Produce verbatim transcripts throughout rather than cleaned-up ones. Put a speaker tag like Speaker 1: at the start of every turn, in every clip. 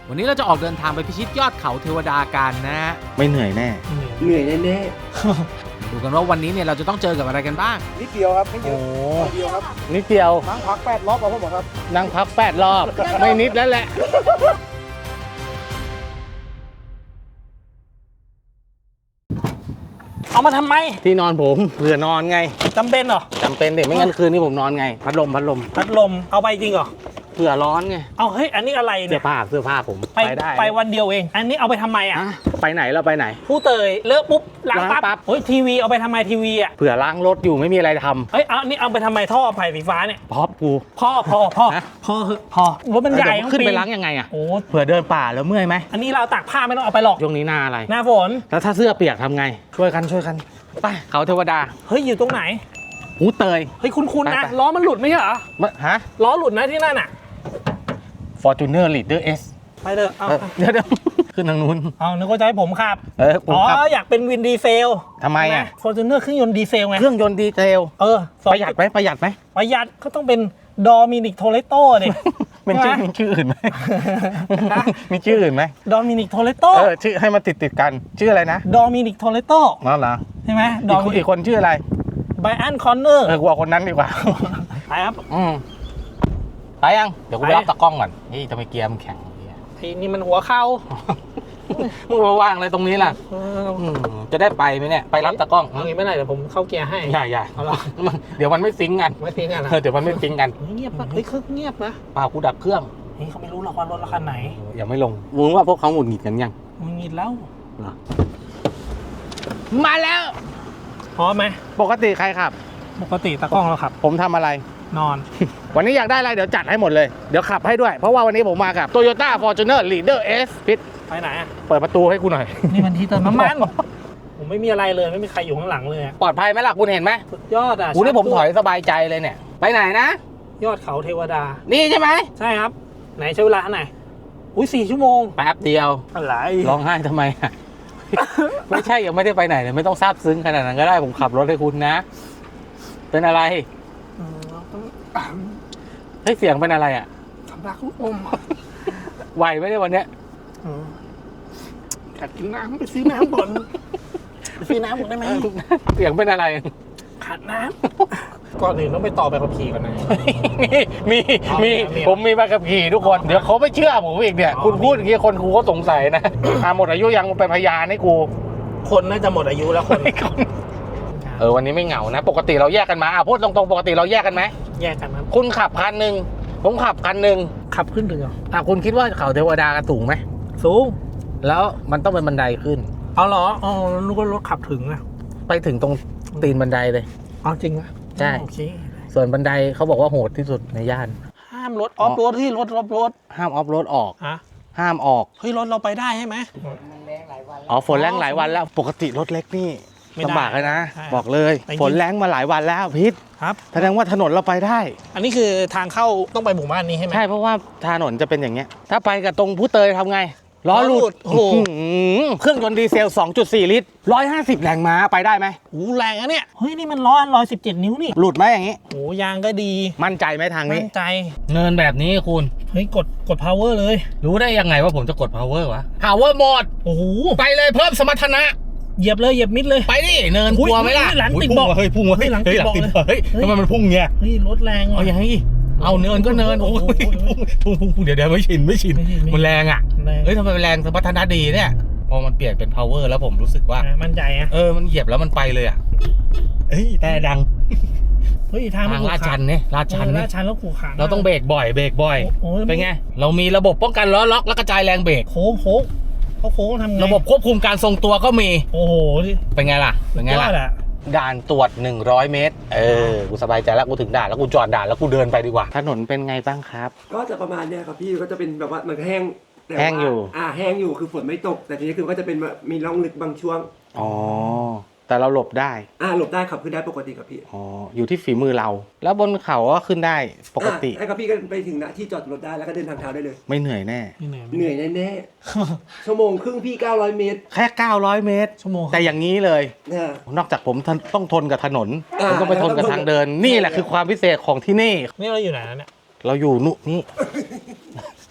Speaker 1: วันนี้เราจะออกเดินทางไปพิชิตยอดเขาเทวดากันนะไม่เหนื่อยแน่
Speaker 2: เหนื่อยแน่
Speaker 1: ดูกันว่าวันนี้เนี่ยเราจะต้องเจอกับอะไรกันบ้าง
Speaker 2: นิดเดียวครับไม่เยอะนิดเดียวครับ
Speaker 3: นิดเดียว
Speaker 2: นั่งพักแปดรอบเอาพ่อหมอครับ
Speaker 3: นั่งพักแปดรอบไม่นิดแล้วแหละ
Speaker 4: เอามาทำไม
Speaker 3: ที่นอนผมเผื่อนอนไง
Speaker 4: จำเป็นเหรอ
Speaker 3: จำเป็นเด็กไม่งั้นคืนนี้ผมนอนไงพัดลมพัดลม
Speaker 4: พัดลมเอาไปจริงเหรอ
Speaker 3: เผื่อร้อนไง
Speaker 4: เอาเฮ้ยอันนี้อะไร
Speaker 3: เสื้
Speaker 4: เนี่
Speaker 3: อย ผ้าเสื้อผ้าผม
Speaker 4: ไปได้ไปวันเดียวเองอันนี้เอาไปทำไมอ่ะ
Speaker 3: ไปไหนเราไปไหน
Speaker 4: ผู้เตยเลอะปุ๊บล้างปั๊บเฮ้ยทีวีเอาไปทำไมทีวีอ่ะ
Speaker 3: เผื่อล้างรถอยู่ไม่มีอะไรทำ
Speaker 4: เฮ้ยเอานี่เอาไปทำไมท่อไผ่ไฟฟ้าเนี่ย
Speaker 3: พอกู
Speaker 4: พ่อพ่อพ่อพ่อพอรถมันใหญ่
Speaker 3: ขึ้นไปล้างยังไงอ่ะ
Speaker 4: โอ้
Speaker 3: เผื่อเดินป่าแล้วเมื่อยไหม
Speaker 4: อันนี้เราตากผ้าไม่ต้องเอาไปหรอก
Speaker 3: ช่วงนี้หน้าอะไร
Speaker 4: หน้าฝน
Speaker 3: แล้วถ้าเสื้อเปียกทำไงช่วยกันช่วยกันไปเขาเทวดา
Speaker 4: เฮ้ยอยู่ตรงไหน
Speaker 3: หูเตย
Speaker 4: เฮ้ยคุ้นๆนะล้อมันหลุดไม่ใช่เหรอ
Speaker 3: ฮะ
Speaker 4: ล้อหลุดนะที่นั่นอ่ะ
Speaker 3: Fortuner Leader S
Speaker 4: ไปเถอะ
Speaker 3: เดี๋ยวเดี๋ยวขึ้นทางนู้น
Speaker 4: เอานึกว่าจะให้ผมขับ
Speaker 3: เออ
Speaker 4: อ๋ออยากเป็นวินดีเซล
Speaker 3: ทำไมอ่ะ
Speaker 4: Fortuner เครื่องยนต์ดีเซลไง
Speaker 3: เครื่องยนต์ดีเซล
Speaker 4: เออ
Speaker 3: ประหยัดไหมประหยัดไหม
Speaker 4: ประหยัดก็ต้องเป็นดอมินิกโทเลโต้เนี่ย
Speaker 3: เป็นชื่อมีชื่ออื่นไหมมีชื่ออื่นไหม
Speaker 4: ดอมินิกโทเลโต้
Speaker 3: เออชื่อให้มันติดติดกันชื่ออะไรนะ
Speaker 4: ดอมินิกโทเลโต้
Speaker 3: นั่นเหรอ
Speaker 4: ใช่ไหม
Speaker 3: ดอมิอีกคนชื่ออะไร
Speaker 4: ไบอันคอนเนอร์
Speaker 3: เออกว่าคนนั้นดีกว่า
Speaker 4: ไปครับ
Speaker 3: อืมไปยังเดี๋ยวกูไปรับตะกล้องก่อนนี่ทำไมเกียร์มันแข็ง
Speaker 4: ทีนี่มันหัวเข่า
Speaker 3: มึงมาวางอะไรตรงนี้ล่ะจะได้ไปไหมเนี่ยไปรับตะกล้อง
Speaker 4: อย่างนี้ไม่ได้เดี๋ยวผมเข้าเกียร์ให้
Speaker 3: อย่าอย่าเดี๋ยวมันไม่ซิงกัน
Speaker 4: ไม่ซิงกัน
Speaker 3: เดี๋ยวมันไม่ซิงกัน
Speaker 4: เงียบปะเฮ้ยเครื่องเงียบนะ
Speaker 3: เปล่ากูดับเครื่อง
Speaker 4: นี่เขาไม่รู้หรอกว่ารถราคาไหน
Speaker 3: ยังไม่ลงมึงว่าพวกเขาหงุดหงิดกันยัง
Speaker 4: หงุดหงิดแล้ว
Speaker 3: มาแล้ว
Speaker 4: พร้อมไหม
Speaker 3: ปกติใครขับ
Speaker 4: ปกติตะกล้องเราขับ
Speaker 3: ผมทำอะไร
Speaker 4: นอน
Speaker 3: วันนี้อยากได้อะไรเดี๋ยวจัดให้หมดเลยเดี๋ยวขับให้ด้วยเพราะว่าวันนี้ผมมากับ Toyota Fortuner Leader S พิษ
Speaker 4: ไปไหนอ่ะ
Speaker 3: เปิดประตูให้กูหน่อย
Speaker 4: นี่มันที่เติมน้ำมันผมไม่มีอะไรเลยไม่มีใครอยู่ข้างหลังเลย
Speaker 3: ปลอดภัยไหมล่ะคุณเห็นไหม
Speaker 4: สุดยอดอ่ะ
Speaker 3: กูนี่ผมถอยสบายใจเลยเนี่ยไปไหนนะ
Speaker 4: ยอดเขาเทวดา
Speaker 3: นี่ใช่ไหม
Speaker 4: ใช่ครับไหนใช้เวลาเท่าไหร่อุ้ยสี่ชั่วโมง
Speaker 3: แป๊บเดียว
Speaker 4: อะไร
Speaker 3: ร้องไห้ทำไมไม่ใช่ยังไม่ได้ไปไหนเลยไม่ต้องซาบซึ้งขนาดนั้นก็ได้ผมขับรถให้คุณนะเป็นอะไรเฮ้ยเสียงเป็นอะไรอ่ะ
Speaker 4: สำลักลูกอม
Speaker 3: ไหวไหมเนี่ยวันเนี้ย
Speaker 4: อยากกินน้ำไปซื้อน้ำบ่อนไปซื้อน้ำหมดได้ไหม
Speaker 3: เสียงเป็นอะไร
Speaker 4: ขาดน้ำก่อนอื่นต้องไปต่อใบขับขี่ก่อนนะ
Speaker 3: มีมีผมมีใบขับขี่ทุกคนเดี๋ยวเขาไม่เชื่อผมอีกเนี่ยคุณพูดอย่างนี้คนครูก็สงสัยนะหมดอายุยังเป็นพยานให้กู
Speaker 4: คนน่าจะหมดอายุแล้วคน
Speaker 3: เออวันนี้ไม่เหงานะปกติเราแยกกันมาพูดตรงๆปกติเราแยกกันไหม
Speaker 4: แยกกันครับ
Speaker 3: คุณขับคันหนึ่งผมขับคันหนึ่ง
Speaker 4: ขับขึ้นถึงเหรอ
Speaker 3: อ่ะคุณคิดว่าเขาเทวดาสูงไหม
Speaker 4: สูง
Speaker 3: แล้วมันต้องเป็นบันไดขึ้น
Speaker 4: เอาเหรออ๋อนึกว่ารถขับถึงอะ
Speaker 3: ไปถึงตรงตีนบันไดเลย
Speaker 4: อ๋อจริงอะ
Speaker 3: ใช่ส่วนบันไดเขาบอกว่าโหดที่สุดในย่าน
Speaker 4: ห้ามรถออฟโรดที่รถออฟโรด
Speaker 3: ห้ามออฟโรดออก
Speaker 4: ฮะ
Speaker 3: ห้ามออก
Speaker 4: เฮ้ยรถเราไปได้ใช่ไหม
Speaker 3: อ๋อฝนแรงหลายวันแล้วปกติรถเล็กนี่ลำบากเลยนะบอกเลยฝนแรงมาหลายวันแล้วพิษ
Speaker 4: ครับ
Speaker 3: แสดงว่าถนนเราไปได้
Speaker 4: อันนี้คือทางเข้าต้องไปหมู่บ้านนี้ใช่ไหม
Speaker 3: ใช่เพราะว่าถนนจะเป็นอย่างเงี้ยถ้าไปกับตรงผู้เตยทำไงล้อหลุดโอ้โหเครื่องยนต์ดีเซล สองจุดสี่ ลิตรหนึ่งร้อยห้าสิบแรงม้าไปได้ไหม
Speaker 4: โอ้แรงอะเนี่ยเฮ้ยนี่มันล้อหนึ่งร้อยสิบเจ็ดนิ้วนี่
Speaker 3: หลุดไหมอย่างงี้
Speaker 4: โอ้ยางก็ดี
Speaker 3: มั่นใจไหมทางนี้
Speaker 4: มั่นใจ
Speaker 3: เนินแบบนี้คุณ
Speaker 4: เฮ้ยกดกด power เลย
Speaker 3: รู้ได้ยังไงว่าผมจะกด power วะ power หมด
Speaker 4: โอ้โห
Speaker 3: ไปเลยเพิ่มสมรรถนะ
Speaker 4: เหยียบเลยเหยียบมิดเลย
Speaker 3: ไปดิเนินกลัวไหมล่ะ
Speaker 4: หลังติดเบาะ
Speaker 3: เฮ้ยพุ่งเฮ้ยหลังติดเบาะเฮ้ยทำไมมันพุ่งเงี้ย
Speaker 4: เฮ้ยรถแรง
Speaker 3: เอาอย่างนี้เอาเนินก็เนินโอ้ยพุ่งพุ่งพุ่งเดี๋ยวเดี๋ยวไม่ชินไม่ชินมันแรงอ่ะเฮ้ยทำไมมันแรงสมรรถนะดีเนี่ยพอมันเปลี่ยนเป็น power แล้วผมรู้สึกว่า
Speaker 4: มั่นใจอ่ะ
Speaker 3: เออมันเหยียบแล้วมันไปเลยอ่ะเฮ้ยแต่ดัง
Speaker 4: เฮ้ยทาง
Speaker 3: ลาดชันเนี่ยลาดชัน
Speaker 4: ลาดชันแล้วขู่ขา
Speaker 3: เราต้องเบรกบ่อยเบรกบ่อยเป็นไงเรามีระบบป้องกันล้อล็อกและกระจายแรงเบรก
Speaker 4: โค้งโค้งเขาโค้งทำไง
Speaker 3: ระบบควบคุมการทรงตัวก็มี
Speaker 4: โอ้โห
Speaker 3: เป็นไงล่ะเป็นไงล่ะด่านตรวจหนึ่งร้อยเมตรเออกูสบายใจแล้วกูถึงด่านแล้วกูจอดด่านแล้วกูเดินไปดีกว่าถนนเป็นไงบ้างครับ
Speaker 2: ก็จะประมาณเนี้ยครับพี่ก็จะเป็นแบบว่ามันแห้ง
Speaker 3: แห้งอยู่
Speaker 2: อ่าแห้งอยู่คือฝนไม่ตกแต่ทีนี้คือก็จะเป็นมีร่องลึกบางช่วง
Speaker 3: อ๋อแต่เราหลบได้
Speaker 2: อ่าหลบได้ขับขึ้นได้ปกติครับพี่
Speaker 3: อ๋ออยู่ที่ฝีมือเราแล้วบนเขาก็ขึ้นได้ปกติ
Speaker 2: ไอ้ครับพี่ก็ไปถึงณที่จอดรถได้แล้วก็เดินทางเท้าได้เลย
Speaker 3: ไม่เหนื่อยแน่
Speaker 2: เหนื่อยแน่ๆชั่วโมงครึ่งพี่เก้าร้อยเมตร
Speaker 3: แค่เก้าร้อยเมตร
Speaker 4: ชั่วโมง
Speaker 3: แต่อย่างนี้เลยนอกจากผมต้องทนกับถนนผมต้องไปทนกับทางเดินนี่แหละคือความพิเศษของที่นี่
Speaker 4: นี่เราอยู่ไหนเนี่ย
Speaker 3: เราอยู่นู่นนี่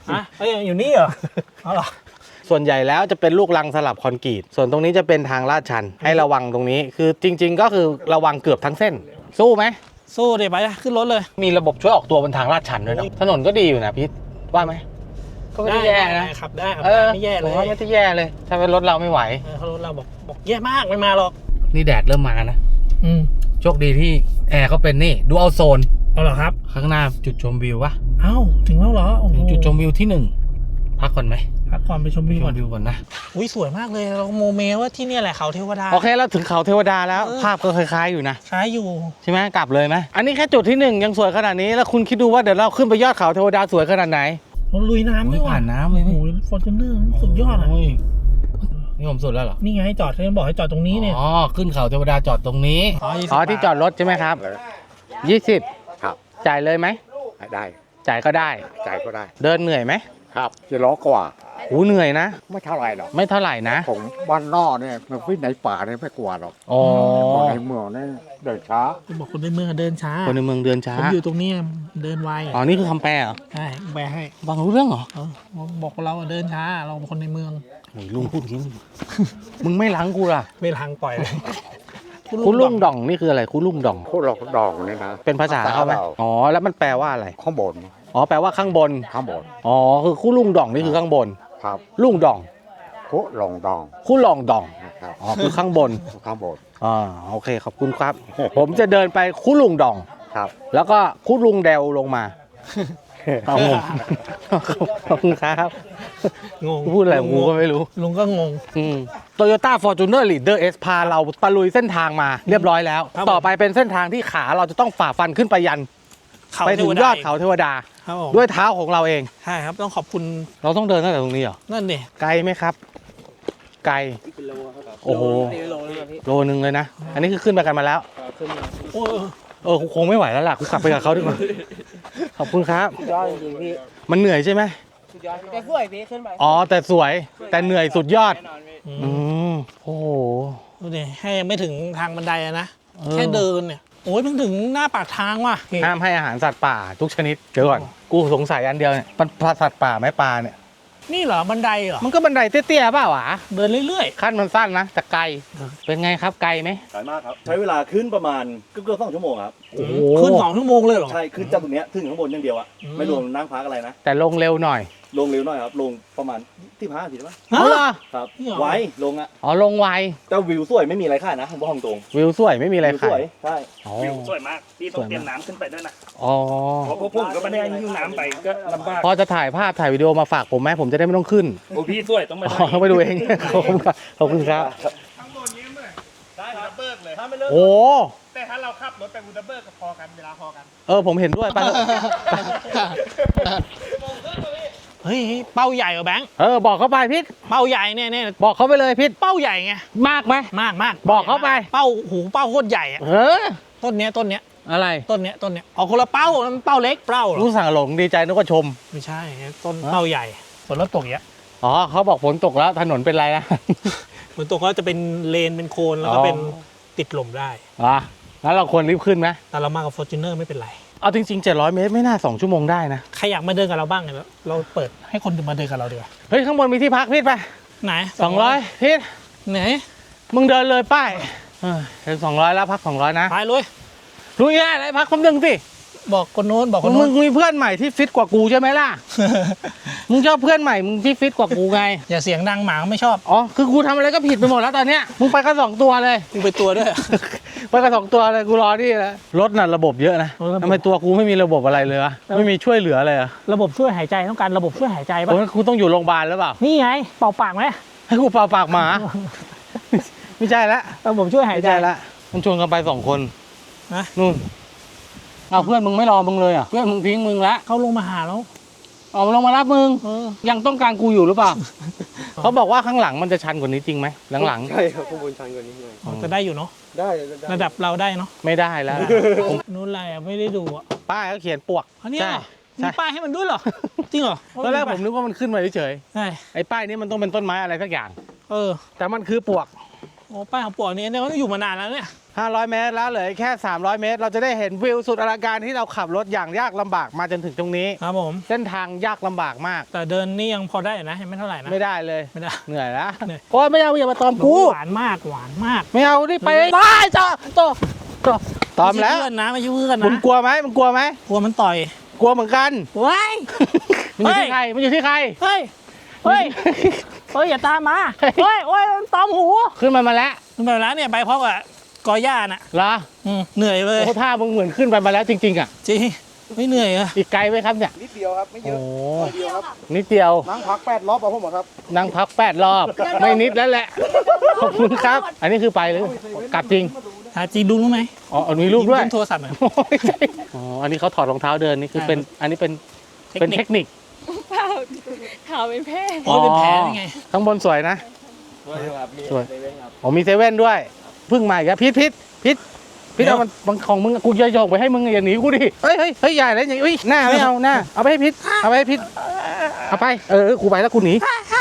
Speaker 4: ฮะเอ้ยอยู่นี่เหรอเอาเหรอ
Speaker 3: ส่วนใหญ่แล้วจะเป็นลูกรังสลับคอนกรีตส่วนตรงนี้จะเป็นทางลาดชันให้ระวังตรงนี้คือจริง ๆ ก็คือระวังเกือบทั้งเส้น สู้ไหม
Speaker 4: สู้เดี๋ยวไปขึ้นรถเลย
Speaker 3: มีระบบช่วยออกตัวบนทางลาดชันด้วยนะถนนก็ดีอยู่นะพี่ว่าไหมก็ไม่ได้แย่นะ
Speaker 4: ได้ครับได้ครับ
Speaker 3: เออ
Speaker 4: ไม่แย่เล
Speaker 3: ผม
Speaker 4: ย
Speaker 3: ว่าไม่ได้แย่เลย ถ้าเป็นรถเราไม่ไหว
Speaker 4: เออเขารถเราบอกบอกแย่มากไม่มาหรอก
Speaker 3: นี่แดดเริ่มมานะ
Speaker 4: อืม
Speaker 3: โชคดีที่แอร์เขาเป็นนี่ดูเอาโซน
Speaker 4: เอาเหรอครับ
Speaker 3: ข้างหน้าจุดชมวิววะ
Speaker 4: เอ้าถึงแล้วเหรอโอ้โห
Speaker 3: ถึงจุดชมวิวที่หนึ่งพักก่อนไหม
Speaker 4: พักก่อนไปชมวิว
Speaker 3: ช
Speaker 4: ก่อ
Speaker 3: ม
Speaker 4: น
Speaker 3: วิวก่อนนะ
Speaker 4: อุ้ยสวยมากเลยเราโมเมว่าที่เนี่ยแหละเขาเทวดา
Speaker 3: โอเคเราถึงเขาเทวดาแล้ว
Speaker 4: เออ
Speaker 3: ภาพก็คล้ายๆอยู่นะ
Speaker 4: คล้ายอยู่
Speaker 3: ใช่ไหมกลับเลยไหมอันนี้แค่จุดที่หนึ่งยังสวยขนาดนี้แล้วคุณคิดดูว่าเดี๋ยวเราขึ้นไปยอดเขาเทวดาสวยขนาดไหน
Speaker 4: เราลุยน้ำด้วย
Speaker 3: โอ้ยผ่านน้ำเลยนี่
Speaker 4: โอ้ยฟอร์จูเนอร์สุดยอดอ่ะ
Speaker 3: โยนี่ผมสุดแล้วเหรอ
Speaker 4: นี่ไงจอดเขาบอกให้จอดตรงนี้เนี่ย
Speaker 3: อ๋อขึ้นเขาเทวดาจอดตรงนี้
Speaker 4: อ๋อยี่สิบ
Speaker 3: อ๋อที่จอดรถใช่ไหมครับยี่สิบ
Speaker 5: ครับ
Speaker 3: จ่ายเลยไหม
Speaker 5: ได้
Speaker 3: จ่ายก็ได้
Speaker 5: จ่ายก็ได้
Speaker 3: เดินเหนื่อยไหม
Speaker 5: ครับจะล้อกว่า
Speaker 3: หูเหนื่อยนะ
Speaker 5: ไม่เท่าไหร่หรอก
Speaker 3: ไม่เท่าไหร่นะ
Speaker 5: ผมบ้านนอกเนี่ยมันวิ่งในป่าเนี่ยไม่กลัวหรอก
Speaker 3: อ๋อ
Speaker 5: คนในเมืองเนี่ยเดินช้า
Speaker 4: บอกคนในเมืองเดินช้า
Speaker 3: คนในเมืองเดินช้า
Speaker 4: ผมอยู่ตรงเนี้ยเดินไว
Speaker 3: อ๋อนี่คือคำแปลเหรอ
Speaker 4: ใช่แปลให้
Speaker 3: ฟังรู้เรื่องเหรอ
Speaker 4: เออบอกเราอะเดินช้าเราเป็นคนในเมือง
Speaker 3: โอ้ยลุงพูดอย่างนี้ มึงไม่ล้างกูล่ะ
Speaker 4: ไม่ทางปล่อยเลย
Speaker 3: คุณลุงด่องนี่คืออะไรคุณลุงด่อง
Speaker 5: โคตรหลอกดองเนี่ยนะ
Speaker 3: เป็นภาษาเขาไหมอ๋อแล้วมันแปลว่าอะไร
Speaker 5: ข้างบน
Speaker 3: อ๋อแปลว่าข้างบน
Speaker 5: ข้างบน
Speaker 3: อ๋อคือคู่ลุงด่องนี่คือข้างบน
Speaker 5: ครับ
Speaker 3: ลุงด่อง
Speaker 5: โคตรหลงดอง
Speaker 3: คู่ลองด่อง
Speaker 5: นะครับ
Speaker 3: อ๋อคือข้างบน
Speaker 5: ข้างบน
Speaker 3: อ่าโอเคขอบคุณครับ ผมจะเดินไปคู่ลุงด่อง
Speaker 5: ครับ
Speaker 3: แล้วก็คู่ลุงเดวลงมาเอางงขอบคุณครับ
Speaker 4: งง
Speaker 3: พูดอะไรกูก็ไม่รู้
Speaker 4: ลุงก็งง
Speaker 3: โตโยต้าฟอร์จูเนอร์ลีดเดอร์เอสพาเราตะลุยเส้นทางมาเรียบร้อยแล้ว
Speaker 4: ครับ
Speaker 3: ต่อไปเป็นเส้นทางที่ขาเราจะต้องฝ่าฟันขึ้นไปยัน
Speaker 4: เขา
Speaker 3: ไปถึง
Speaker 4: เทวดาย
Speaker 3: อดเขาเทวดา
Speaker 4: ครับผม
Speaker 3: ด้วยเท้าของเราเอง
Speaker 4: ใช่ครับต้องขอบคุณ
Speaker 3: เราต้องเดินตั้งแต่ตรงนี้เหรอ
Speaker 4: นั่นดิ
Speaker 3: ไกลไหมครับ ไกลโอ้โหโลนึงเลยนะ อันนี้คือขึ้นไปกันมาแล้ว
Speaker 4: โอ้ย
Speaker 3: เออกูคงไม่ไหวแล้วล่ะกูกลับไปกับเขาดีกว่าขอบคุณครับ
Speaker 1: ยอดจริงๆพี่
Speaker 3: มันเหนื่อยใช่ไหม
Speaker 1: สุดยอดแต่สวยพี่ขึ้นไป
Speaker 3: อ๋อแต่สวยแต่เหนื่อยสุดยอด
Speaker 1: แน่นอนพี่
Speaker 4: อื
Speaker 3: อื
Speaker 4: ม
Speaker 3: มโอ้โห
Speaker 4: ดูดิให้ยังไม่ถึงทางบันไดอะนะ
Speaker 3: เออ
Speaker 4: แค่เดินเนี่ยโอ้ยเพิ่งถึงหน้าปากทางว่ะ
Speaker 3: ห้ามให้อาหารสัตว์ป่าทุกชนิดเดี๋ยวก่อนกูสงสัยอันเดียวเนี่ยมันปลาสัตว์ป่าไหมปลาเนี่ย
Speaker 4: นี่เหรอบันไดเหรอ
Speaker 3: มันก็บันไดเตี้ยๆเปล่าวะ
Speaker 4: เดินเรื่อย
Speaker 3: ขั้นมันสั้นนะแต่ไกลเป็นไงครับไกลไหม
Speaker 6: ไกลมากครับ ใช้เวลาขึ้นประมาณเกือบๆสองชั่วโมงครับ
Speaker 4: ๆอืมขึ้นสองชั่วโมงเลยเหรอ
Speaker 6: ใช่ขึ้นจากตรงเนี้ยถึงข้างบนอย่างเดียวอะ
Speaker 4: อืม
Speaker 6: ไม่รวมนั่งพักอะไรนะ
Speaker 3: แต่ลงเร็วหน่อย
Speaker 6: ลงเร็วหน่อยครับ ลงประมาณที่พักสิใช่ไหม
Speaker 3: อ๋อเหรอ
Speaker 6: ครับ
Speaker 4: นี่เหรอ
Speaker 6: ไวลงอะ
Speaker 3: อ๋อลงไว
Speaker 6: แต่วิวสวยไม่มีอะไรค่านะผมบอกตรง
Speaker 3: วิวสวยไม่มีอะไร
Speaker 6: วิว
Speaker 3: ขา
Speaker 6: สวย ยใช่
Speaker 3: อ๋อ
Speaker 7: วิวสวยมาก พี่ต้อง
Speaker 3: สวยมาก
Speaker 7: เตรียมน้ำขึ้นไปด้วยนะ
Speaker 3: อ๋อ
Speaker 7: เพราะพวกผมก็ไม่ได้หิ้วน้ำไปก็ลำบาก
Speaker 3: พอจะถ่ายภาพถ่ายวิดีโอมาฝากผมไหมผมจะได้ไม่ต้องขึ้น
Speaker 7: โอ้พี่สวยต้องไป
Speaker 3: อ๋อต้องไปดูเอง ขอบคุณครับขอบคุณครับ
Speaker 7: ได้ครับเบิกเลย
Speaker 3: โอ้
Speaker 7: แต่ถ้าเราขับรถไปบูดาเบิร์กก็พอกันเวลาพอกัน
Speaker 3: เออผมเห็นด้วยไปเถอะ
Speaker 4: เฮ้ยเป้าใหญ่เหรอแบงค์
Speaker 3: เออบอกเขาไปพิษ
Speaker 4: เป้าใหญ่เนี่ยเนี่ย
Speaker 3: บอกเขาไปเลยพิษ
Speaker 4: เป้าใหญ่ไง
Speaker 3: มากไหม
Speaker 4: มากมาก
Speaker 3: บอกเขาไป
Speaker 4: เป้าหูเป้าโคตรใหญ่อะ
Speaker 3: เออ
Speaker 4: ต้นเนี้ยต้นเนี้ย
Speaker 3: อะไร
Speaker 4: ต้นเนี้ยต้นเนี้ยเอาคนละเป้ามันเป้าเล็กเป้าเหรอ
Speaker 3: รู้สั่งหลงดีใจนึกว่าชม
Speaker 4: ไม่ใช่ต้น
Speaker 3: ฮะ
Speaker 4: เป้าใหญ่ฝนรถตกเยอะ
Speaker 3: อ๋อเขาบอกฝนตกแล้วถนนเป็นไรนะ
Speaker 4: ฝนตกก็จะเป็นเลนเป็นโคนแล้วก็
Speaker 3: อ๋อ
Speaker 4: เป็นติดลมได้
Speaker 3: อ๋อแล้วเราควรรีบขึ้นไหม
Speaker 4: แต่เรามากับ Fortuner ไม่เป็นไร
Speaker 3: เอาจริงๆเจ็ดร้อยเมตรไม่น่าสองชั่วโมงได้นะ
Speaker 4: ใครอยากมาเดินกับเราบ้างเนี่ยเราเปิดให้คนมาเดินกับเราดีกว่า
Speaker 3: เฮ้ยข้างบนมีที่พักพิษไป
Speaker 4: ไหน
Speaker 3: สองร้อยพิษ
Speaker 4: ไหน
Speaker 3: มึงเดินเลยป้ายเออถึงสองร้อยแล้วพักสองร้อยนะ
Speaker 4: ไปเลย
Speaker 3: รู้ยังไงอะไรพักคำนึงสิ
Speaker 4: บอกคนโน้นบอกคน
Speaker 3: มึ
Speaker 4: โน้
Speaker 3: ง
Speaker 4: น
Speaker 3: มีเพื่อนใหม่ที่ฟิตกว่ากูใช่ไหมล่ะ มึงชอบเพื่อนใหม่มึงที่ฟิตกว่ากูไง
Speaker 4: อย่าเสียงดังหมาเขาไม่ชอบ
Speaker 3: อ๋อคือกูทำอะไรก็ผิดไปหมดแล้วตอนเนี้ยมึงไปกันสองตัวเลย
Speaker 4: มึงไปตัวด้วย
Speaker 3: ไปกันสองตัวเลยกูรอนี่แล้วรถน่ะระบบเยอะนะ
Speaker 4: เออระบบ
Speaker 3: ทำไมตัวกูไม่มีระบบอะไรเลยวะไม่มีช่วยเหลืออะไรอะ
Speaker 4: ระบบช่วยหายใจต้องการระบบช่วยหายใจป่ะ
Speaker 3: โอ้ยกูต้องอยู่โรงพยาบาลหรือเปล่า
Speaker 4: นี่ไงเป่าปากไหม
Speaker 3: ให้กูเป่าปากหมา ไม่ใช่ละ
Speaker 4: ระบบช่วยหาย
Speaker 3: ไม่
Speaker 4: ใจ
Speaker 3: ใช่ละมันชวนกันไปสองคน
Speaker 4: นะ
Speaker 3: นู่นเอาเพื่อนมึงไม่รอมึงเลยอ่ะเพื่อนมึงทิ้งมึงละ
Speaker 4: เขาลงมาหาแล้ว
Speaker 3: ออกมาลงมารับมึง
Speaker 4: เออ
Speaker 3: ยังต้องการกูอยู่หรือเปล่า เขาบอกว่าข้างหลังมันจะชันกว่านี้จริงไหมหลัง
Speaker 2: ใช่ครับข้างบนชันกว่านี้หน่อย
Speaker 4: อ๋อจะได้อยู่เนาะ
Speaker 2: ได้ได้
Speaker 4: ระดับเราได้เนาะ
Speaker 3: ๆไม่ได้แล้ว
Speaker 4: นู้นอะไรอ่ะไม่ได้ดูอ่ะ
Speaker 3: ป้ายก็เขียนปวก
Speaker 4: อันนี้
Speaker 3: ใช่
Speaker 4: เหรอ
Speaker 3: ใช่
Speaker 4: มีป้ายให้มันด้วยเหรอจริงเหรอ
Speaker 3: ตอนแรกผมนึกว่ามันขึ้นมาเฉย
Speaker 4: ใช่
Speaker 3: ๆไอ้ป้ายนี้มันต้องเป็นต้นไม้อะไรสักอย่าง
Speaker 4: เออ
Speaker 3: แต่มันคือปวก
Speaker 4: โอ้ป้ายของปวกนี้เนี่ยก็อยู่มานานแล้วเนี่ย
Speaker 3: ห้าร้อยเมตรแล้วเหลือแค่สามร้อยเมตรเราจะได้เห็นวิวสุดอลังการที่เราขับรถอย่างยากลำบากมาจนถึงตรงนี้
Speaker 4: ครับผม
Speaker 3: เส้นทางยากลำบากมาก
Speaker 4: แต่เดินนี่ยังพอได้อยู่นะยังไม่เท่าไหร่นะ
Speaker 3: ไม่ได้เลย
Speaker 4: ไม่ได้
Speaker 3: เหนื่อยแล้ว
Speaker 4: เหนื่อย
Speaker 3: โอ้ยไม่เอาอย่ามาตอมกู
Speaker 4: หวานมากหวานมาก
Speaker 3: ไม่เอาดิไปได้จ้าต่อต่อตอมแล้ว
Speaker 4: ไใช่เพื่อนนะไม่ใช่เพื่อน
Speaker 3: มึง
Speaker 4: นะ
Speaker 3: กลัวไหมมึงกลัวไหม
Speaker 4: กลัวมันต่อย
Speaker 3: กลัวเหมือนกัน
Speaker 4: ว้าย
Speaker 3: มันอยู่ที่ใครมันอยู่ที่ใคร
Speaker 4: เฮ้ยเฮ้ยเฮ้ยอย่าตามมาเฮ้ยโอ้ยตอมหู
Speaker 3: ขึ้นมามาแล้ว
Speaker 4: ขึ้นไปแล้วเนี่ยไปพร้อมกับกอย่าน่ะ
Speaker 3: เหรอ
Speaker 4: อืมเหนื่อยเลย
Speaker 3: โอ้ท่ามึงเหมือนขึ้นไปมาแล้วจริงๆอ่ะ
Speaker 4: จริงไม่เหนื่อยเหรอ
Speaker 3: อีกไกลไหมครับเนี่ย
Speaker 6: นิดเดียวครับไม่เย
Speaker 3: โอ้
Speaker 6: อะนิดเดียวครับ
Speaker 3: นิดเดียว
Speaker 6: นั่งพักแปดรอบเอาผมครับ
Speaker 3: นั่งพักแปดรอบ ไม่นิดแล้วแหละ ขอบคุณครับ อันนี้คือไปหรือกลับจริง
Speaker 4: หาจริงดูรู้ไหม
Speaker 3: อ๋อมีรูปด้วย
Speaker 4: มโทรศัพท์หน่อย
Speaker 3: อ๋ออันนี้เขาถอดรองเท้าเดินนี่คือเป็นอันนี้เป็นเป็นเทคนิค
Speaker 8: เปล่าขาวเป็นแพร่
Speaker 4: โอ้ยเป็นแผลได้ไง
Speaker 3: ข้างบนสวยนะ
Speaker 6: ครับมี
Speaker 3: สวย
Speaker 6: เซเว่นครับ
Speaker 3: อ๋อมีเซเว่นด้วยเพิ่งมาอีกแล้วพิษพิษพิษพิษเอามันบางของมึงกูจะโยกไปให้มึงอย่าหนีกูดิเฮ้ยเฮ้ยเฮ้ยใหญ่เลยอย่างอุ้ยหน้าไม่เอาหน้าเอาไปให้พิษเอาไปให้พิษเอาไปเออกูไปแล้วกูหนี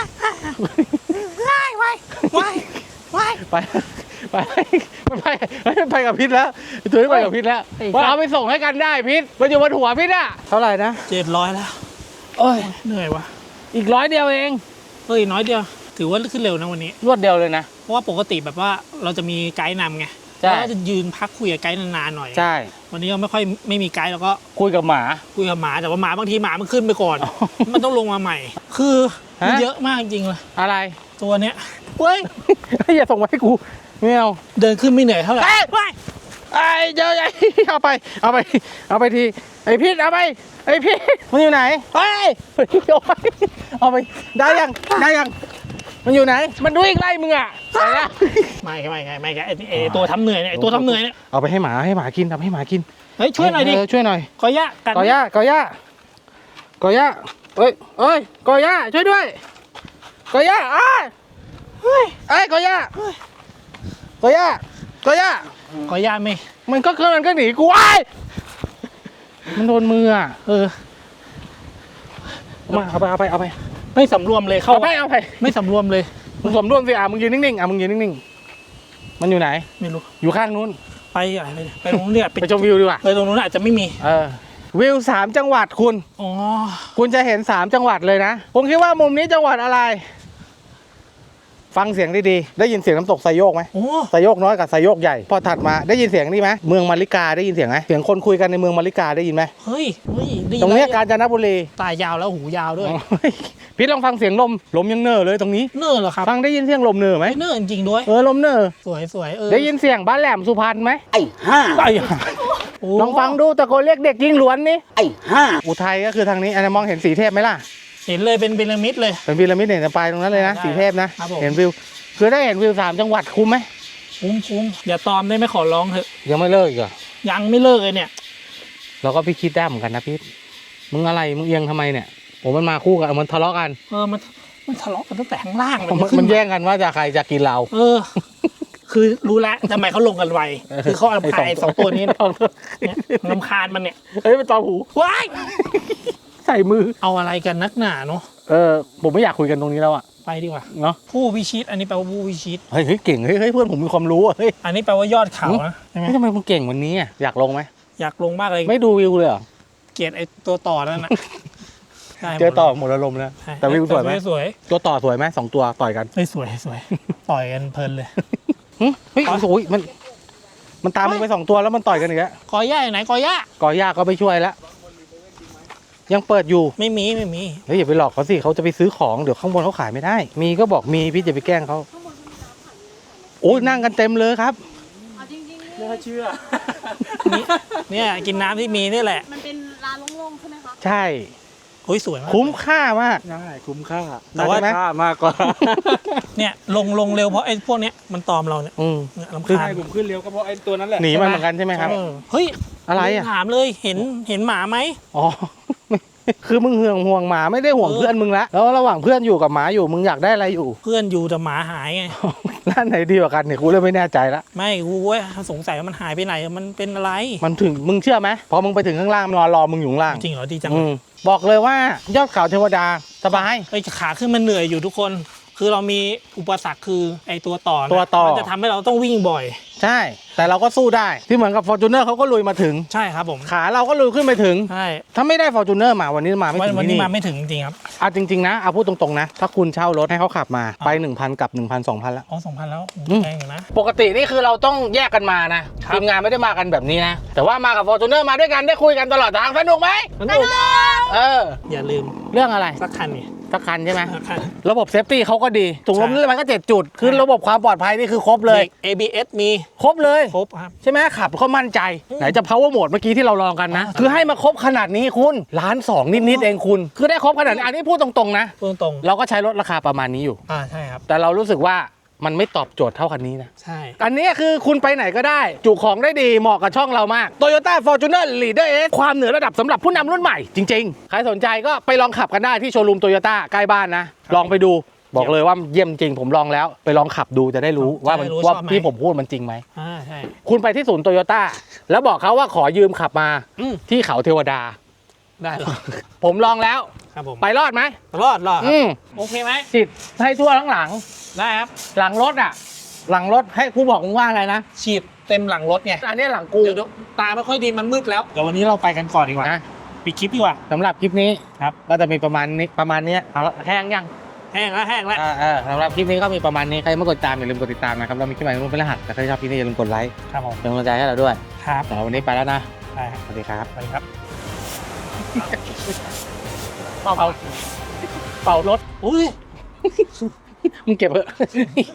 Speaker 4: ว้ายว้ายว้าย
Speaker 3: ไปไปไปไปไปกับพิษแล้วตัวนี้ไปกับพิษแล้วว่าเอาไปส่งให้กันได้พิษมันอยู่บนหัวพิษอะเท่าไหร่นะ
Speaker 4: เจ็ดร้อยแล้ว
Speaker 3: โอ้ย
Speaker 4: เหนื่อยวะ
Speaker 3: อีกร้อยเดียวเอง
Speaker 4: เฮ้ยน้อยเดียว ถือว่าขึ้นเร็วนะวันนี้
Speaker 3: รวดเดียวเลยนะ
Speaker 4: เพราะว่าปกติแบบว่าเราจะมีไกด์นำไง
Speaker 3: ใช่
Speaker 4: เราก็จะยืนพักคุยกับไกด์นานๆหน่อย
Speaker 3: ใช่
Speaker 4: วันนี้เราไม่ค่อยไม่มีไกด์เราก็
Speaker 3: คุยกับหมา
Speaker 4: คุยกับหมาแต่ว่าหมาบางทีหมามันขึ้นไปก่อน มันต้องลงมาใหม่ คือมัน
Speaker 3: ฮะ
Speaker 4: เยอะมากจริงๆเลย
Speaker 3: อะไร
Speaker 4: ตัวเนี้ยเว้ย
Speaker 3: อย่าส่งมาให้กูไม่เอา
Speaker 4: เดินขึ้นไม่เหนื่อยเท่าไหร่
Speaker 3: เอ้ย
Speaker 4: ว้าย
Speaker 3: ไอ้เจ้าใหญ่เอาไปเอาไปเอาไปทีไอ้พิษเอาไปไอ้พิษมันอยู่ไหนเฮ้ยเอาไปเอาไปได้ยังได้ยังมันอยู่ไหน มันวิ่งไล่มึงอ่ะไปแล้ว
Speaker 4: ไม่ไม่ไม่ไม่ไอ้ไอ้ตัวทำเหนื่อยเนี่ยไอ้ตัวทำเหนื่อยเนี่ย
Speaker 3: เอาไปให้หมาให้หมากินทำให้หมากิน
Speaker 4: เฮ้ยช่วยหน่อยดิ
Speaker 3: เช่วยหน่อย
Speaker 4: ขอยะกัด
Speaker 3: กอย่ากอย่ากอย่าเอ้ยเอ้ยกอย่าช่วยด้วยกอย่าอ้ายเฮ้ยไอ้ยกอย่ากอย่ากอย่า
Speaker 4: ขอยะไม่
Speaker 3: มันก็มันก็หนีกูไอ้ายมันโดนมืออ่ะ
Speaker 4: เออ
Speaker 3: เอามาเอาไปเอาไปเอาไป
Speaker 4: ไม่สำรวมเลยเข้า
Speaker 3: เอาไปเอาไป
Speaker 4: ไม่สำรวมเลย
Speaker 3: มึงสมร่วมสิอ่ะมึงยืนนิ่งๆอ่ะมึงยืนนิ่งๆมันอยู่ไหน
Speaker 4: ไม่รู้
Speaker 3: อยู่ข้างนู้น
Speaker 4: ไปอะไรไปไปตรงนู้นเนี่ย
Speaker 3: ไปชมวิวดีกว่า
Speaker 4: ไปตรงนู้นอาจจะไม่มี
Speaker 3: เออวิวสามจังหวัดคุณ
Speaker 4: อ๋อ
Speaker 3: คุณจะเห็นสามจังหวัดเลยนะผมคิดว่ามุมนี้จังหวัดอะไร ฟังเสียงดีๆได้ยินเสียงน้ำตกไซโยกไหม
Speaker 4: โอ้
Speaker 3: ไซโยกน้อยกับไซโยกใหญ่พอถัดมาได้ยินเสียงนี่ไหมเมืองมาริกาได้ยินเสียงไหมเสียงคนคุยกันในเมืองมาริกาได้ยินไหม
Speaker 4: เฮ้ยเฮ้ยดี
Speaker 3: ตรงเนี้ย
Speaker 4: แล้ว
Speaker 3: กาญจนบุรี
Speaker 4: ตายาวแล้วหูยาวด้วย
Speaker 3: โอ้ยพี่ลองฟังเสียงลมลมยังเน่อเลยตรงนี้
Speaker 4: เนิ่นเหรอครับ
Speaker 3: ฟังได้ยินเสียงลมเน่อไหม
Speaker 4: เนิ่นจริงด้วย
Speaker 3: เออลมเน่อ
Speaker 4: สวยสวยเออ
Speaker 3: ได้ยินเสียงบ้านแหลมสุพรรณไหม
Speaker 6: ไอ้ห้า
Speaker 3: ไอ้
Speaker 4: โอ้
Speaker 3: ลองฟังดูตะโกนเรียกเด็กยิงหลวนนี่
Speaker 6: ไอ้ห้า
Speaker 3: อุทัยก็คือทางนี้อันนี้มองเห็นสีเทพไหมล่ะ
Speaker 4: เห็นเลยเป็นพีระมิดเลย
Speaker 3: เป็นพีระมิดเนี่ยจะไปตรงนั้นเลยนะ
Speaker 4: ได้
Speaker 3: สีเทพนะครับ
Speaker 4: ผม
Speaker 3: เห็นวิวคือได้เห็นวิวสามจังหวัดคุ้มไหม
Speaker 4: คุ้มคุ้มอย่าตอมได้ไหมขอร้องเถอะ
Speaker 3: ยังไม่เลิกอีกเหรอ
Speaker 4: ยังไม่เลิกเลยเนี่ย
Speaker 3: เราก็พี่คิดได้เหมือนกันนะพี่มึงอะไรมึงเอียงทำไมเนี่ยโอ้มันมาคู่กันมันทะเลาะกัน
Speaker 4: เออมันมันทะเลาะกันตั้งแต่ข้างล่าง
Speaker 3: มัน
Speaker 4: ขึ้
Speaker 3: มัน
Speaker 4: มา
Speaker 3: แย่งกันว่าจะใครจะกินเรา
Speaker 4: เออ คือรู้แล้วทำไมเขาลงกันไวคือเขาเอาพายสองตัวนี้เนี่ยลำคาญมันเนี่ย
Speaker 3: เฮ้ยเป็นตอหู
Speaker 4: ว้าย
Speaker 3: ใส่มือ
Speaker 4: เอาอะไรกันนักหนาเนาะ
Speaker 3: เออผมไม่อยากคุยกันตรงนี้แล้วอะ
Speaker 4: ไปดีกว่า
Speaker 3: เนาะ
Speaker 4: ผู้พิชิตอันนี้แปลว่าผู้พิชิต
Speaker 3: เฮ้ยเฮ้ยเก่งเฮ้ยเฮ้ยเพื่อนผมมีความรู้อะเฮ้ย
Speaker 4: อันนี้แปลว่ายอดเขานะใช่ไหม
Speaker 3: เฮ้ยทำไมมึงเก่งวันนี้อะอยากลงไหม
Speaker 4: อยากลงมากเลย
Speaker 3: ไม่ดูวิวเลยเหรอ
Speaker 4: เกลียดไอ้ตัวต่อนั่นน่ะได้หมด
Speaker 3: เจอต่อหมดอารมณ์แล้ว
Speaker 4: ใช่
Speaker 3: แต่วิวสวยไหม
Speaker 4: สวย
Speaker 3: ตัวต่อสวยไหมสองตัวต่อยกัน
Speaker 4: เฮ้ยสวยสวยต่อยกันเพลินเลย
Speaker 3: หึเฮ้ยโอ้ยมัน มันตามมึงไปสองตัวแล้วมันต่อยกันอีกแล้ว
Speaker 4: กอย่าอยู่ไหนกอย่า
Speaker 3: ก่อย่าก็ไปช่วยแล้วยังเปิดอยู่
Speaker 4: ไม่มีไม่มี
Speaker 3: เฮ้ยอย่าไปหลอกเขาสิเขาจะไปซื้อของเดี๋ยวข้างบนเขาขายไม่ได้ มีก็บอกมีพี่จะไปแกล้งเขาโอ้ยนั่งกันเต็มเลยครับ
Speaker 8: เอาจริงๆนี่
Speaker 6: ไม่น่าเชื่อ
Speaker 4: นี่เนี่ยกินน้ำที่มีนี่แหละ
Speaker 8: มันเป็นร้านโล่งๆใช่ไหมคะ
Speaker 3: ใช่
Speaker 4: โอ้ยสวยมาก
Speaker 3: คุ้มค่ามาก
Speaker 6: ใช่คุ้มค่า
Speaker 4: แต่ว่า
Speaker 3: ใช่ไหม
Speaker 6: ค่ามากกว่า
Speaker 4: เนี่ยลงลงเร็วเพราะไอ้พวกเนี้ยมันตอมเราเนี่ย
Speaker 3: อืม
Speaker 4: เนี่ยลำ
Speaker 6: คือ
Speaker 4: คาญ
Speaker 6: ให้ผมขึ้นเร็วก็เพราะไอ้ตัวนั้นแหละ
Speaker 3: หนีมันเหมือนกันใช่ไหมครับ
Speaker 4: เออเฮ้ย
Speaker 3: อะไรอ่ะ
Speaker 4: ถามเลยเห็นเห็นหมาไหม
Speaker 3: อ๋อ คือมึงห่วงห่วงหมาไม่ได้ห่วง
Speaker 4: เออ
Speaker 3: เพื่อนมึงละแล้วระหว่างเพื่อนอยู่กับหมาอยู่มึงอยากได้อะไรอยู่
Speaker 4: เพื่อนอยู่แต่หมาหายไง
Speaker 3: ร้านไหนดีกว่ากันเนี่ยกูเลยไม่แน่ใจละ
Speaker 4: ไม่กูเว้ยสงสัยว่ามันหายไปไหนมันเป็นอะไร
Speaker 3: มันถึงมึงเชื่อไหมพอมึงไปถึงข้างล่างมันนอนรอมึงอยู่ข้างล่าง
Speaker 4: จริงเหรอดีจัง
Speaker 3: อืมบอกเลยว่ายอดเขาเทวดาสบาย
Speaker 4: ไอ้ยขาขึ้นมันเหนื่อยอยู่ทุกคนคือเรามีอุปสรรคคือไอตัวต่อนะ
Speaker 3: ตัวต่อ
Speaker 4: มันจะทำให้เราต้องวิ่งบ่อย
Speaker 3: ใช่ แต่เราก็สู้ได้ ที่เหมือนกับ Fortuner เขาก็ลุยมาถึง
Speaker 4: ใช่ครับผม
Speaker 3: ขาเราก็ลุยขึ้นไปถึง
Speaker 4: ใช่
Speaker 3: ถ้าไม่ได้ Fortuner มาวันนี้มาไม่
Speaker 4: วัน
Speaker 3: ถึง
Speaker 4: วัน
Speaker 3: ที่
Speaker 4: นี้
Speaker 3: นี่
Speaker 4: มาไม่ถึงจริงๆครับ
Speaker 3: เอาจริงๆนะเอาพูดตรงๆนะ ถ้าคุณเช่ารถให้เขาขับมาไป หนึ่งพัน กับ หนึ่งพัน สองพัน แล้ว
Speaker 4: อ๋อสองพันแล้ว
Speaker 3: อืม
Speaker 4: แพงอยู่นะ
Speaker 3: ปกตินี่คือเราต้องแยกกันมานะครับ ทีมงานไม่ได้มากันแบบนี้นะ แต่ว่ามากับ Fortuner มาด้วยกันได้คุยกันตลอดทางสนุกไหม
Speaker 4: สนุก
Speaker 3: เออ
Speaker 4: อย่าลืม
Speaker 3: เรื่องอะไร
Speaker 4: สักคันนี่
Speaker 3: สักคันใช่ไหม
Speaker 4: สักคัน
Speaker 3: ระบบเซฟตี้เขาก็ดีถุงลม
Speaker 4: ใช่
Speaker 3: นิรภัยก็เจ็ดจุด คือระบบความปลอดภัยนี่คือครบเลย
Speaker 4: เบรก เอ บี เอส มี
Speaker 3: ครบเลย
Speaker 4: ครบครับ
Speaker 3: ใช่ไหมขับเขามั่นใจ ไหนจะ power mode เมื่อกี้ที่เราลองกันนะ คือให้มาครบขนาดนี้คุณล้านสองนิดๆเองคุณ คือได้ครบขนาดนี้อันนี้พูดตรงๆนะ
Speaker 4: พูดตรง
Speaker 3: เราก็ใช้รถราคาประมาณนี้อยู่
Speaker 4: ๆอ่าใช่ครับ
Speaker 3: แต่เรารู้สึกว่ามันไม่ตอบโจทย์เท่าคันนี้นะ
Speaker 4: ใช่
Speaker 3: อันนี้คือคุณไปไหนก็ได้ จุของได้ดีเหมาะกับช่องเรามาก Toyota Fortuner Leader S ความเหนือระดับสำหรับผู้นำรุ่นใหม่ จริงๆ ใครสนใจก็ไปลองขับกันได้ที่โชว์รูม Toyota ใกล้บ้านนะ ลองไปดูบอกเลยว่าเยี่ยมจริงผมลองแล้ว ไปลองขับดูจะได้รู้ว่ามันว่าที่ผมพูดมันจริงไหม
Speaker 4: อ่าใช่
Speaker 3: คุณไปที่ศูนย์โตโยต้าแล้วบอกเขาว่าขอยืมขับมา
Speaker 4: อืม
Speaker 3: ที่เขาเทวดา
Speaker 4: ได้หรอ
Speaker 3: ผมลองแล้ว
Speaker 4: ครับผม
Speaker 3: ไปรอดไหม
Speaker 4: รอดรอดครับ
Speaker 3: อืม
Speaker 4: โอเคไหม
Speaker 3: จิตให้ทั่วทั้งหลัง
Speaker 4: ได้ครับ
Speaker 3: หลังรถอ่ะ หลังรถให้กูบอกมึงว่าอะไรนะ
Speaker 4: ฉีดเต็มหลังรถไง
Speaker 3: อันนี้หลังกู
Speaker 4: เดี๋ยวตาไม่ค่อยดีมันมืดแล้วเดี๋ยววันนี้เราไปกันก่อนดีกว่า
Speaker 3: นะ
Speaker 4: ปิดคลิปดีกว่า
Speaker 3: สำหรับคลิปนี้
Speaker 4: ครับ
Speaker 3: ก็จะมีประมาณนี้ประมาณเนี้ยเอาละแห้งยัง
Speaker 4: แห้งแล้วแห้งแล้ว
Speaker 3: อ่าเออสำหรับคลิปนี้ก็มีประมาณนี้ใครไม่กดติดตามอย่าลืมกดติดตามนะครับเรามีคลิปใหม่รุ่นเป็นรหัสแต่ใครชอบคลิปนี้อย่าลืมกดไลค์
Speaker 4: ครับผม
Speaker 3: เป็นกำลังใจให้เราด้วย
Speaker 4: ครับ
Speaker 3: แต่วันนี้ไปแล้วนะ
Speaker 4: ได้ครับ
Speaker 3: สวัสดีครับ
Speaker 4: สวัสดีครับ
Speaker 3: เป่าเป่ารถ
Speaker 4: อุ้ย
Speaker 3: มึงเก็บเถอะ